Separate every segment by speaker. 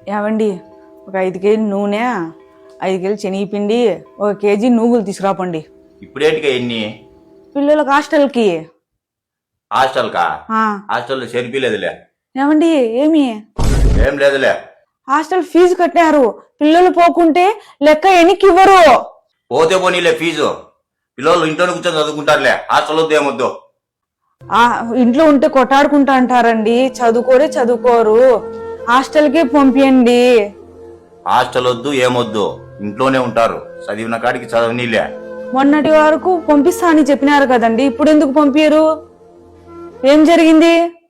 Speaker 1: ఏమండి ఒక 5 కేజీ నూనె, 5 కేజీలు శనగపిండి, 1 కేజీ నువ్వులు తీసుకురాపండి.
Speaker 2: ఇప్పుడేటిగా ఎన్ని
Speaker 1: పిల్లలకు హాస్టల్కి.
Speaker 2: హాస్టల్కా? హాస్టల్లో చేరిపిలేదులే.
Speaker 1: ఏమండి ఏమి
Speaker 2: ఏం లేదులే.
Speaker 1: హాస్టల్ ఫీజు కట్టారు, పిల్లలు పోకుంటే లెక్క ఎన్నికి ఇవ్వరు.
Speaker 2: పోతే పోనీలే ఫీజు. పిల్లలు ఇంట్లోనే కూర్చొని చదువుకుంటారులే. హాస్టల్ వద్దు ఏమొద్దు.
Speaker 1: ఇంట్లో ఉంటే కొట్టాడుకుంటా అంటారండి, చదువుకోరు. హాస్టల్కి పంపియండి.
Speaker 2: హాస్టల్ వద్దు ఏమొద్దు, ఇంట్లోనే ఉంటారు. చదివిన కాడికి చదవనీలే.
Speaker 1: మొన్నటి వరకు పంపిస్తా అని చెప్పినారు కదండి, ఇప్పుడు ఎందుకు పంపించరు? ఏం జరిగింది?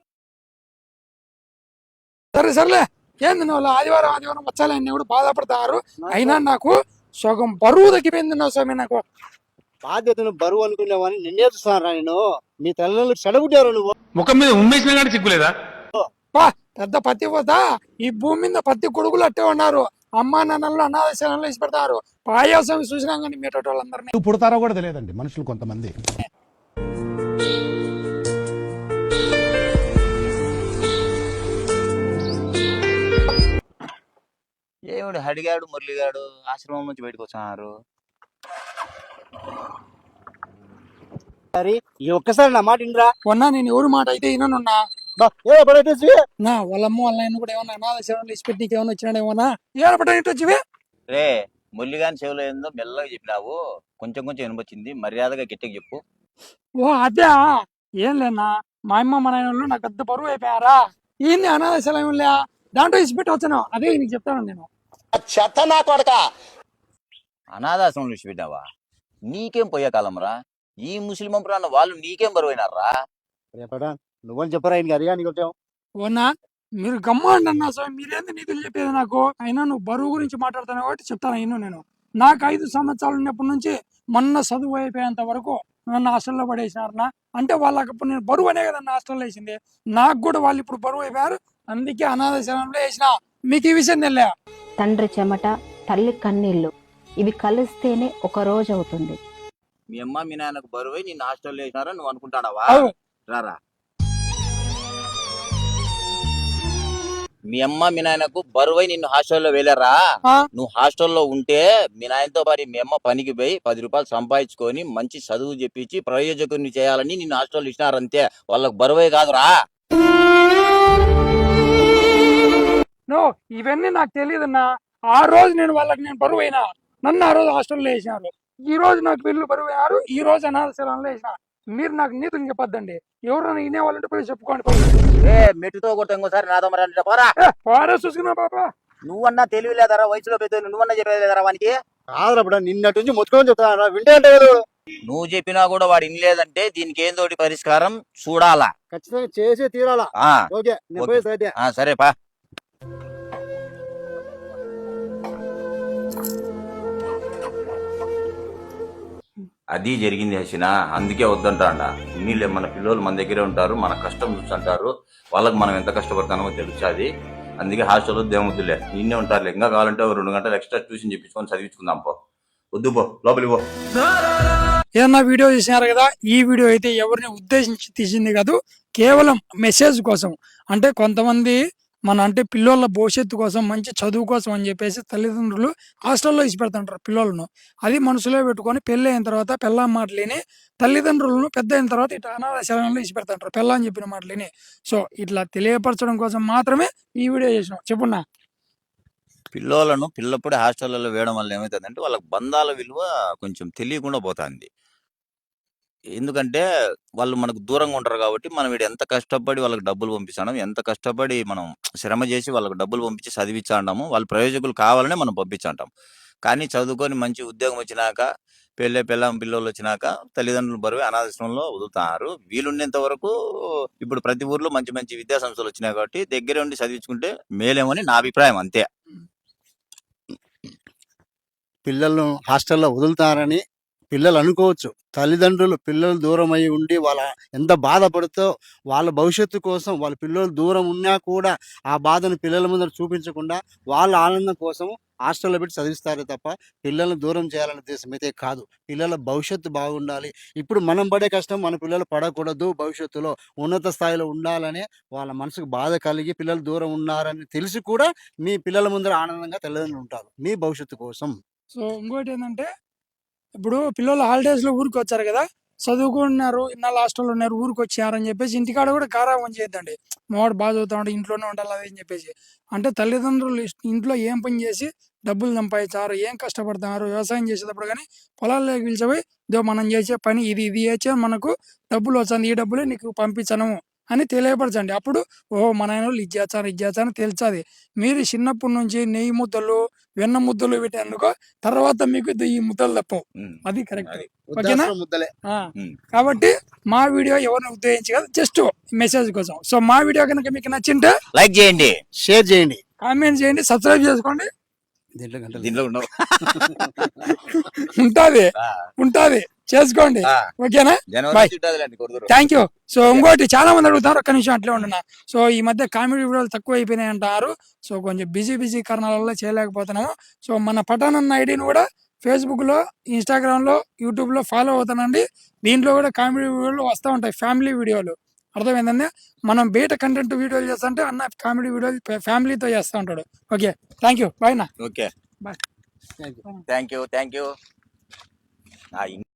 Speaker 3: సర్లే ఏంది నువ్వు ఆదివారం వచ్చాలని కూడా బాధపడతారు. అయినా నాకు సగం బరువు తగ్గిపోయింది నా స్వామి. నాకు
Speaker 4: బాధ్యతను బరువు అనుకునేవాని నిన్నే చూస్తాను. నేను మీ తల్లిదండ్రులు చెడగొట్టారు. నువ్వు
Speaker 5: ముఖం మీద ఉమ్మేసినా కానీ సిగ్గులేదా?
Speaker 3: పెద్ద పత్తి పోతా ఈ భూమి మీద పత్తి కొడుకులు అట్టే ఉన్నారు. అమ్మా నాన్నలు అనాథశాలలో ఇచ్చి పెడతారు. పాయాసం చూసినా కానీ మీటోటి వాళ్ళందరినీ
Speaker 6: పుడతారో కూడా తెలియదండి మనుషులు కొంతమంది.
Speaker 2: ఏమిడు హడిగాడు మురళిగాడు ఆశ్రమం నుంచి బయటకు వచ్చారు.
Speaker 4: ఈ ఒక్కసారి నా మాట ఇంద్రా.
Speaker 3: ఉన్నా నేను ఎవరి మాట అయితే విననున్నా. నా వాళ్ళమ్మ వాళ్ళ ఆయన కూడా ఏమన్నా అనాథశాలలో ఇచ్చి పెట్టి నీకేమన్నా వచ్చినాడు ఏమన్నా ఏడపడేటొచ్చివే.
Speaker 2: రే మురళిగాని చెవులో ఏందో మెల్లగా చెప్పినావు. కొంచెం వినపచ్చింది. మర్యాదగా గట్టిగా చెప్పు.
Speaker 3: ఓ అదే ఏం లేనా, మా అమ్మ మా నాయన నాకు పెద్ద బరువు అయిపోయారా. ఏంది అనాథశాలం లే, దాంట్లో ఇచ్చి పెట్టి వచ్చాను. అదే నీకు చెప్తాను నేను.
Speaker 2: అనాథాశ్రమం నుంచి పెట్టావా? నీకేం పోయే కాలం రా. ఈ ముస్లిం ప్రాణ వాళ్ళు నీకేం బరువైనారా?
Speaker 4: నువ్వని చెప్పరా అడిగా నీకు వచ్చావు.
Speaker 3: ఓనా మీరు గమ్మండి అన్నా స్వామి, మీరేంది నీతులు చెప్పేది నాకు. అయినా నువ్వు బరువు గురించి మాట్లాడుతాను కాబట్టి చెప్తాను. అయినా నేను నాకు 5 సంవత్సరాలు ఉన్నప్పటి నుంచి మొన్న చదువు అయిపోయేంత వరకు నన్ను హాస్టల్లో పడేసినారనా. అంటే వాళ్ళకి ఇప్పుడు నేను బరువు అనే కదా హాస్టల్లో వేసింది. నాకు కూడా వాళ్ళు ఇప్పుడు బరువు అయిపోయారు. అందుకే అనాథాశ్రమంలో వేసిన. మీకు ఈ విషయం తెలియ?
Speaker 7: తండ్రి చెమట, తల్లి కన్నీళ్లు ఇవి కలిస్తేనే ఒక రోజు అవుతుంది.
Speaker 2: మీ అమ్మ మీ నాన్నకు బరువై నిన్ను హాస్టల్లో వేసినారా నువ్వు అనుకుంటాడావా? రారా, మీ అమ్మ మీ నాయనకు బరువై నిన్ను హాస్టల్లో వేలేరా? నువ్వు హాస్టల్లో ఉంటే మీ నాయనతో పాటు మీ అమ్మ పనికి పోయి 10 రూపాయలు సంపాదించుకొని మంచి చదువు చెప్పించి ప్రయోజకుని చేయాలని నిన్ను హాస్టల్లో ఇచ్చినారంతే. వాళ్ళకు బరువే కాదురా.
Speaker 3: నో ఇవన్నీ నాకు తెలియదన్నా. ఆ రోజు నేను బరువు అయినా, నన్ను ఆ రోజు హాస్టల్లో వేసినారు. ఈ రోజు నాకు వీళ్ళు బరువు అయ్యారు. ఈ రోజు అనాథశాలలో వేసిన. మీరు నాకు నీతులు చెప్పొద్దండి. ఎవరైనా వినేవాళ్ళంటే పోయి చెప్పుకోండి.
Speaker 2: మెట్టుతో కొట్ట ఇంకోసారి నాతో మరి
Speaker 3: చూసుకున్నా పాపా.
Speaker 2: నువ్వన్నా తెలివి లేదరా, వయసులో పెద్ద నువ్వన్నా చెప్పలేదరా వానికి?
Speaker 4: కాదురా నిన్నటి నుంచి మొత్తుకొని చెప్తాను. వింటే అంటే
Speaker 2: నువ్వు చెప్పినా కూడా వాడు ఇనలేదంటే దీనికి ఏందోటి పరిష్కారం చూడాలా.
Speaker 4: ఖచ్చితంగా చేసి తీరాలా. ఓకే
Speaker 2: సరేపా. అది జరిగింది హసిన. అందుకే వద్దంటాడా. నీళ్ళే మన పిల్లలు మన దగ్గరే ఉంటారు, మన కష్టం చూస్తుంటారు. వాళ్ళకి మనం ఎంత కష్టపడతామో తెలుస్తుంది. అందుకే హాస్టల్లో దేముద్దులే నిన్నే ఉంటారులే. ఇంకా కావాలంటే 2 గంటలు ఎక్స్ట్రా ట్యూషన్ చెప్పించుకొని చదివించుకుందాం. వద్దు పో, లోపలికి పో.
Speaker 3: ఏదన్నా వీడియో చేసినారు కదా, ఈ వీడియో అయితే ఎవరిని ఉద్దేశించి తీసింది కాదు, కేవలం మెసేజ్ కోసం. అంటే కొంతమంది అంటే పిల్లల భవిష్యత్తు కోసం, మంచి చదువు కోసం అని చెప్పేసి తల్లిదండ్రులు హాస్టల్లో ఇచ్చి పెడుతుంటారు పిల్లలను. అది మనసులో పెట్టుకొని పెళ్ళి అయిన తర్వాత పెళ్ళాం మాటలేని తల్లిదండ్రులను పెద్ద అయిన తర్వాత ఇట్లా అనాథశాలలో ఇచ్చి పెడుతుంటారు పెళ్ళని చెప్పిన మాటలేని. సో ఇట్లా తెలియపరచడం కోసం మాత్రమే ఈ వీడియో చేసినాం. చెప్పున్నా.
Speaker 2: పిల్లలను పిల్లప్పుడే హాస్టల్లో వేయడం వల్ల ఏమవుతుందంటే వాళ్ళకి బంధాల విలువ కొంచెం తెలియకుండా పోతుంది. ఎందుకంటే వాళ్ళు మనకు దూరంగా ఉంటారు కాబట్టి మనం వీడు ఎంత కష్టపడి వాళ్ళకి డబ్బులు పంపిస్తాం, ఎంత కష్టపడి మనం శ్రమ చేసి వాళ్ళకి డబ్బులు పంపించి చదివించాము. వాళ్ళు ప్రయోజకులు కావాలనే మనం పంపించాంటాం. కానీ చదువుకొని మంచి ఉద్యోగం వచ్చినాక, పిల్లలు వచ్చినాక తల్లిదండ్రులు బరువు అనాథాశ్రమంలో వదులుతున్నారు. వీలున్నంత వరకు ఇప్పుడు ప్రతి ఊర్లో మంచి మంచి విద్యా సంస్థలు వచ్చినాయి కాబట్టి దగ్గర ఉండి చదివించుకుంటే మేలేమని నా అభిప్రాయం. అంతే.
Speaker 4: పిల్లలను హాస్టల్లో వదులుతారని పిల్లలు అనుకోవచ్చు. తల్లిదండ్రులు పిల్లలు దూరం అయి ఉండి వాళ్ళ ఎంత బాధపడుతో వాళ్ళ భవిష్యత్తు కోసం వాళ్ళ పిల్లలు దూరం ఉన్నా కూడా ఆ బాధను పిల్లల ముందర చూపించకుండా వాళ్ళ ఆనందం కోసం హాస్టల్లో పెట్టి చదివిస్తారే తప్ప పిల్లల్ని దూరం చేయాలనే ఉద్దేశం అయితే కాదు. పిల్లల భవిష్యత్తు బాగుండాలి. ఇప్పుడు మనం పడే కష్టం మన పిల్లలు పడకూడదు. భవిష్యత్తులో ఉన్నత స్థాయిలో ఉండాలనే వాళ్ళ మనసుకు బాధ కలిగి పిల్లలు దూరం ఉన్నారని తెలిసి కూడా మీ పిల్లల ముందర ఆనందంగా తల్లిదండ్రులు ఉంటారు మీ భవిష్యత్తు కోసం.
Speaker 3: సో ఇంకోటి ఏంటంటే ఇప్పుడు పిల్లలు హాలిడేస్లో ఊరికి వచ్చారు కదా, చదువుకున్నారు, ఇన్నాళ్ళు హాస్టల్లో ఉన్నారు, ఊరికి వచ్చారని చెప్పేసి ఇంటికాడ కూడా గారాబం చేయొద్దండి. మావాడు బాగా చదువుతా ఉంటే ఇంట్లోనే ఉండాలి అది అని చెప్పేసి. అంటే తల్లిదండ్రులు ఇంట్లో ఏం పని చేసి డబ్బులు సంపాదించారు, ఏం కష్టపడుతున్నారు, వ్యవసాయం చేసేటప్పుడు కానీ పొలాల్లోకి పిలిచిపోయి ఇదో మనం చేసే పని ఇది ఇది చేసే మనకు డబ్బులు వస్తుంది, ఈ డబ్బులే నీకు పంపించను అని తెలియపరచండి. అప్పుడు ఓహో మన ఆయన వాళ్ళు ఇది చేస్తాను తెలుస్తుంది. మీరు చిన్నప్పటి నుంచి నెయ్యి ముద్దలు వెన్న ముద్దలు పెట్టేందుకు తర్వాత మీకు ఈ ముద్దలు తప్పవు. అది కరెక్ట్. ఓకేనా?
Speaker 4: వృద్ధాశ్రమ ముద్దలే.
Speaker 3: కాబట్టి మా వీడియో ఎవరిని ఉద్దేశించి కాదు, జస్ట్ మెసేజ్ కోసం. సో మా వీడియో కనుక మీకు నచ్చింటే
Speaker 2: లైక్ చేయండి,
Speaker 4: షేర్ చేయండి,
Speaker 3: కామెంట్ చేయండి, సబ్స్క్రైబ్ చేసుకోండి.
Speaker 4: దీంట్లో గంటలు
Speaker 2: దీనిలో ఉండవు.
Speaker 3: ఉంటాది చేసుకోండి. ఓకేనా?
Speaker 2: జనవరి
Speaker 3: Bye.
Speaker 2: చుట్టాదులేండి, కొడుతురు.
Speaker 3: Thank you. సో ఇంకోటి చాలా మంది అడుగుతారు, ఒక్క నిమిషం అట్లే ఉంటున్నా. సో ఈ మధ్య కామెడీ వీడియోలు తక్కువ అయిపోయినాయి అంటారు. సో కొంచెం బిజీ కారణాల వల్ల చేయలేకపోతున్నాము. సో మన పఠాన్ అన్న ఐడిని కూడా ఫేస్బుక్లో, ఇన్స్టాగ్రామ్లో, యూట్యూబ్లో ఫాలో అవుతానండి. దీంట్లో కూడా కామెడీ వీడియోలు వస్తూ ఉంటాయి, ఫ్యామిలీ వీడియోలు. అర్థమైందండి? మనం బయట కంటెంట్ వీడియోలు చేస్తుంటే అన్న కామెడీ వీడియోలు ఫ్యామిలీతో చేస్తూ ఉంటాడు. Okay, thank you. బాయ్ నా.
Speaker 2: Okay,
Speaker 3: bye.
Speaker 2: Thank you.